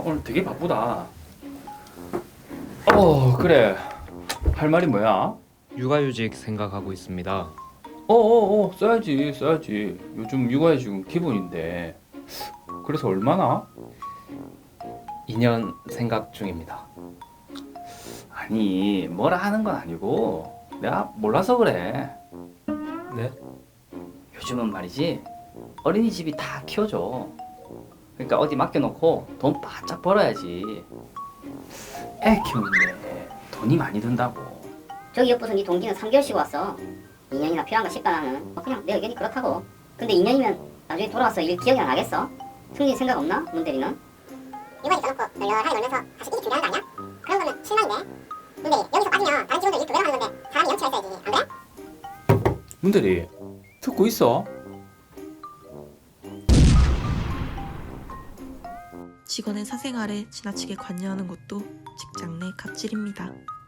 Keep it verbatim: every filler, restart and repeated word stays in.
오늘 되게 바쁘다. 어, 그래. 할 말이 뭐야? 육아휴직 생각하고 있습니다. 어어어, 써야지, 써야지. 요즘 육아에 지금 기분인데. 그래서 얼마나? 이 년 생각 중입니다. 아니, 뭐라 하는 건 아니고 내가 몰라서 그래. 네? 요즘은 말이지 어린이집이 다 키워줘. 그러니까 어디 맡겨놓고 돈 바짝 벌어야지. 애 키우는데 돈이 많이 든다고. 저기 옆부서 네 동기는 삼 개월 쉬고 왔어. 이 년이나 필요한가 싶다 나는. 뭐 그냥 내 의견이 그렇다고. 근데 이 년이면 나중에 돌아와서 일 기억이 안 나겠어? 승진 생각 없나? 문 대리는? 육아휴직 써놓고 널널하게 놀면서 다시 이직 준비하는 거 아니야? 그런 거는 실망인데. 근데 여기서 빠지면 다른 직원들 일 그대로 하는 건데 사람이 염치가 있어야지. 안 그래? 문대리 듣고 있어? 직원의 사생활에 지나치게 관여하는 것도 직장 내 갑질입니다.